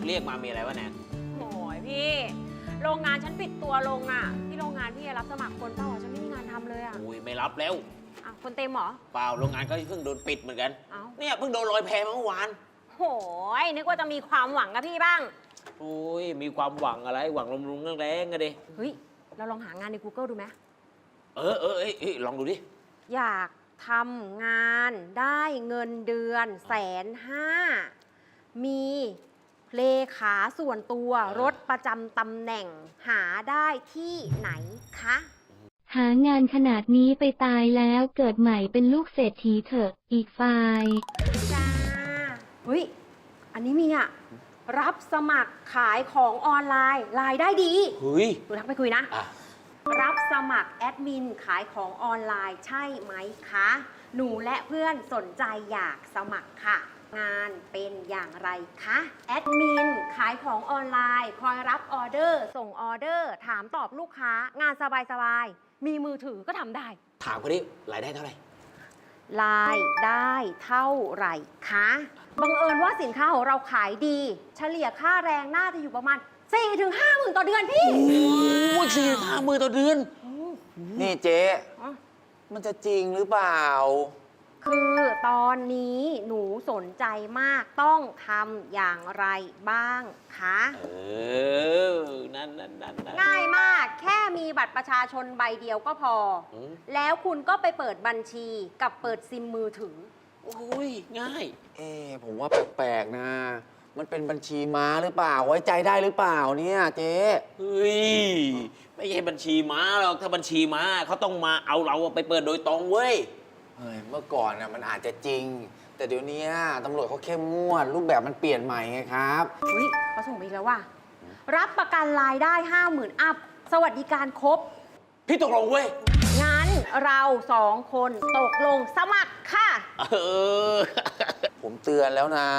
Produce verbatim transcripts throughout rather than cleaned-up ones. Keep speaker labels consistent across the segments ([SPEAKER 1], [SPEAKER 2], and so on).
[SPEAKER 1] เรียกมามีอะไรวะแนน
[SPEAKER 2] โอ้ยพี่โรงงานฉันปิดตัวลงอ่ะที่โรงงานพี่รับสมัครคนเปล่าฉันไม่มีงานทำเลยอ่ะ
[SPEAKER 1] อุ้ยไม่รับแล้ว
[SPEAKER 2] อ่ะคนเต็มเหรอ
[SPEAKER 1] เปล่าโรงงานก็เพิ่งโดนปิดเหมือนกัน
[SPEAKER 2] เอ้า
[SPEAKER 1] เนี่ยเพิ่งโดนลอยแพมาเมื่อวาน
[SPEAKER 2] โอ้ยนึกว่าจะมีความหวังกับพี่บ้าง
[SPEAKER 1] โอ้ยมีความหวังอะไรหวังลมลุงแรงๆกันดิ
[SPEAKER 2] เฮ้ยเราลองหางานใน กูเกิล ดูไหม
[SPEAKER 1] เออเออเอ้ยลองดูดิ
[SPEAKER 2] อยากทำงานได้เงินเดือนแสนห้ามีเลขาส่วนตัวรถประจำตำแหน่งหาได้ที่ไหนคะ
[SPEAKER 3] หางานขนาดนี้ไปตายแล้วเกิดใหม่เป็นลูกเศรษฐีเถอะอีกฝ่าย
[SPEAKER 2] จ้าเฮ้ยอันนี้มีอ่ะรับสมัครขายของออนไลน์รายได้ดี
[SPEAKER 1] เฮ้ย
[SPEAKER 2] ดูทักไปคุยนะรับสมัครแอดมินขายของออนไลน์ใช่ไหมคะหนูและเพื่อนสนใจอยากสมัครค่ะงานเป็นอย่างไรคะแอดมินขายของออนไลน์คอยรับออเดอร์ส่งออเดอร์ถามตอบลูกค้างานสบายๆมีมือถือก็ทำได้
[SPEAKER 1] ถามคนนี้รายได้เท่าไหร่
[SPEAKER 2] รายได้เท่าไหร่คะบังเอิญว่าสินค้าของเราขายดีเฉลี่ยค่าแรงน่าจะอยู่ประมาณ สี่ถึงห้า หมื่นต่อเดือนพี่
[SPEAKER 1] โอ้ยสี่ถึงห้าหมื่นต่อเดือน
[SPEAKER 4] นี่เจ๊มันจะจริงหรือเปล่า
[SPEAKER 2] คือตอนนี้หนูสนใจมากต้องทำอย่างไรบ้างคะ
[SPEAKER 1] เออนั่นนั่นนั่น
[SPEAKER 2] ง่ายมากแค่มีบัตรประชาชนใบเดียวก็พอแล้วคุณก็ไปเปิดบัญชีกับเปิดซิมมือถือ
[SPEAKER 1] โอ้ยง่าย
[SPEAKER 4] เอ๊ผมว่าแปลกๆนะมันเป็นบัญชีม้าหรือเปล่าไว้ใจได้หรือเปล่าเนี่ยเจ๊
[SPEAKER 1] เฮ้ยไม่ใช่บัญชีม้าหรอกถ้าบัญชีม้าเขาต้องมาเอาเราไปเปิดโดยตรงเว้ย
[SPEAKER 4] เฮ้ยเมื่อก่อนน่ะมันอาจจะจริงแต่เดี๋ยวนี้ตำรวจเขาเข้มงวดรูปแบบมันเปลี่ยนใหม่ไงครับ
[SPEAKER 2] เฮ้ยเขาส่งมาอีกแล้วว่ะรับประกันรายได้ห้าหมื่นอัพสวัสดิการครบ
[SPEAKER 1] พี่ตกลงเว้ย
[SPEAKER 2] งั้นเราสองคนตกลงสมัครค่ะ
[SPEAKER 1] เออ
[SPEAKER 4] ผมเตือนแล้วนะ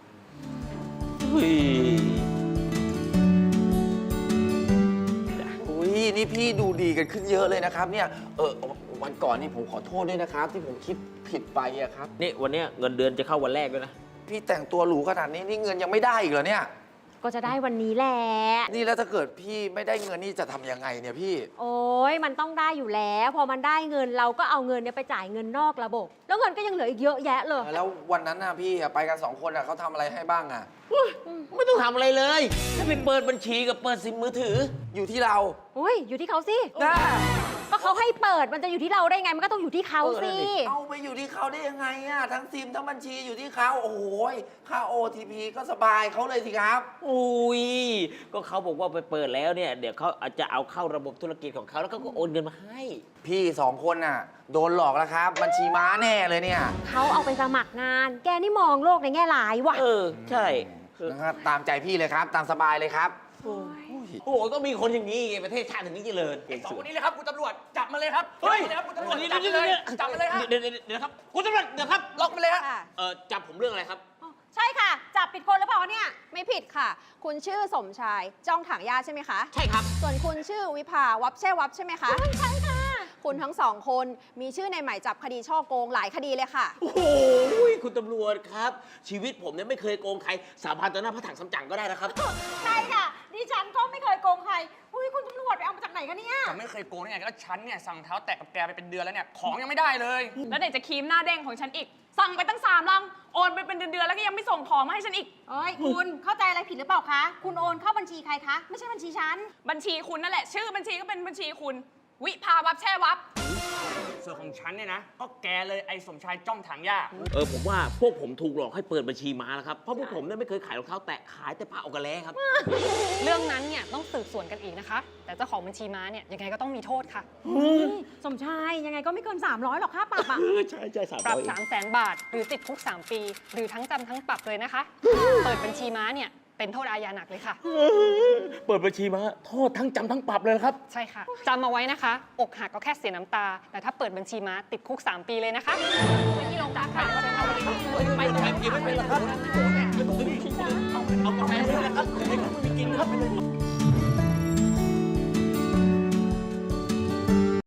[SPEAKER 4] อุ้ยนี่พี่ดูดีกันขึ้นเยอะเลยนะครับเนี่ยเออวันก่อนนี่ผมขอโทษด้วยนะครับที่ผมคิดผิดไปอะครับ
[SPEAKER 1] นี่วันนี้เงินเดือนจะเข้าวันแรกด้วยนะ
[SPEAKER 4] พี่แต่งตัวหรูขนาดนี้นี่เงินยังไม่ได้อีกเหรอเนี่ย
[SPEAKER 2] ก็จะได้วันนี้แหละ
[SPEAKER 4] นี่แล้วถ้าเกิดพี่ไม่ได้เงินนี่จะทำยังไงเนี่ยพี่
[SPEAKER 2] โอ้ยมันต้องได้อยู่แล้วพอมันได้เงินเราก็เอาเงินเนี่ยไปจ่ายเงินนอกระบบแล้วเงินก็ยังเหลืออีกเยอะแยะเลย
[SPEAKER 4] แล้ววันนั้นน่ะพี่ไปกันสองคนอ่ะเขาทำอะไรให้บ้างอ่ะ
[SPEAKER 1] ไม่ต้องทำอะไรเลยแค่ไปเปิดบัญชีกับเปิดซิมมือถือ
[SPEAKER 4] อยู่ที่เรา
[SPEAKER 2] อุ้ยอยู่ที่เขาสิก็เขาให้เปิดมันจะอยู่ที่เราได้ไงมันก็ต้องอยู่ที่เขาสิ
[SPEAKER 4] เอาไปอยู่ที่เขาได้ยังไงอ่ะทั้งซิมทั้งบัญชีอยู่ที่เขาโอ้โหค่า โอ ที พี ก็สบายเขาเลยสิครับ
[SPEAKER 1] อุ้ยก็เขาบอกว่าไปเปิดแล้วเนี่ยเดี๋ยวเขาอาจจะเอาเข้าระบบธุรกิจของเขาแล้วก็โอนเงินมาให้
[SPEAKER 4] พี่สองคนน่ะโดนหลอกแล้วครับบัญชีม้าแน่เลยเนี่ย
[SPEAKER 2] เขาเอาไปสมัครงานแกนี่มองโลกในแง่ร้ายว่ะ
[SPEAKER 1] เออใช่
[SPEAKER 4] นะครับตามใจพี่เลยครับตามสบายเลยครับ
[SPEAKER 1] โอ้โหก็มีคนอย่างนี้ไงประเทศชาติถึงนี้เจริญ
[SPEAKER 5] สองคนนี้เลยครับคุณตำรวจจับมาเลยครับเฮ้ยจับมาเลยครับคุณตำรวจจับมาเลยจับมาเลยครับ
[SPEAKER 1] เดี๋ยวเดี๋ยวครับคุณตำรวจเดี๋ยวครับ
[SPEAKER 5] ล็อกมาเลยครับ
[SPEAKER 1] เออจับผมเรื่องอะไรครับ
[SPEAKER 2] ใช่ค่ะจับผิดคนหรือเปล่าเนี่ย
[SPEAKER 6] ไม่ผิดค่ะคุณชื่อสมชายจ้องถังยาใช่ไหมคะ
[SPEAKER 1] ใช่ครับ
[SPEAKER 6] ส่วนคุณชื่อวิภาวับแช่วับใช่ไหมคะ
[SPEAKER 2] ใช่ค่ะ
[SPEAKER 6] คุณทั้งสองคนมีชื่อในหมายจับคดีช่อโกงหลายคดีเลยค่ะ
[SPEAKER 1] โอ้โหคุณตำรวจครับชีวิตผมเนี่ยไม่เคยโกงใครสาบานต่อหน้าพระถังซัมจั๋งก็ได้นะครับ
[SPEAKER 2] ใช่ค่ะดิฉันก็ไม่เคยโกงใครอุ้ยคุณตำรวจไปเอามาจากไหนกันเนี่ย
[SPEAKER 5] จะไม่เคยโกงได้ไงก็ฉันเนี่ยสั่งเท้าแตะกับแกไปเป็นเดือนแล้วเนี่ยของยังไม่ได้เลย
[SPEAKER 7] แล้วไหนจะครีมหน้าเด้งของฉันอีกสั่งไปตั้งสามลังโอนไปเป็นเดือนๆแล้วก็ยังไม่ส่งของมาให้ฉันอีก
[SPEAKER 2] เอ้ยคุณเข้าใจอะไรผิดหรือเปล่าคะคุณโอนเข้าบัญชีใครคะไม่ใช่บัญชีฉัน
[SPEAKER 7] บัญชีคุณนั่นแหละชื่อบัญชีก็เป็นบัญชีคุณวิภาวับแช่วับ
[SPEAKER 5] ส่วนของฉันเนี่ยนะก็แกเลยไอ้สมชายจ้องถังหญ้า
[SPEAKER 1] เออผมว่าพวกผมถูกหลอกให้เปิดบัญชีม้าแล้วครับเพราะพวกผมเนี่ยไม่เคยขายรองเท้าแตะขายแต่ผ้าออกกระแลครับ
[SPEAKER 7] เรื่องนั้นเนี่ยต้องสืบสวนกันอีกนะคะแต่เจ้าของบัญชีม้าเนี่ยยังไงก็ต้องมีโทษค่ะ
[SPEAKER 2] สมชายยังไงก็ไม่เกินสามร้อยหรอกค่าปรับอ่ะ
[SPEAKER 1] ใช่ใช่สาม
[SPEAKER 7] ปรับสามแสนบาทหรือติดคุกสามปีหรือทั้งจำทั้งปรับเลยนะคะเปิดบัญชีม้าเนี่ยเป็นโทษอาญาหนักเลยค่ะ
[SPEAKER 1] เปิดบัญชีมาโทษทั้งจำทั้งปรับเลยครับ
[SPEAKER 7] ใช่ค่ะจำมาไว้นะคะอกหักก็แค่เสียน้ำตาแต่ถ้าเปิดบัญชีม้าติดคุกสามปีเลยนะคะไปที่โรงพักค่ะ
[SPEAKER 1] ไปตรงไหนกินไม่เป็นหรอครับเอากาแฟด้วยนะครับไม่กินครับ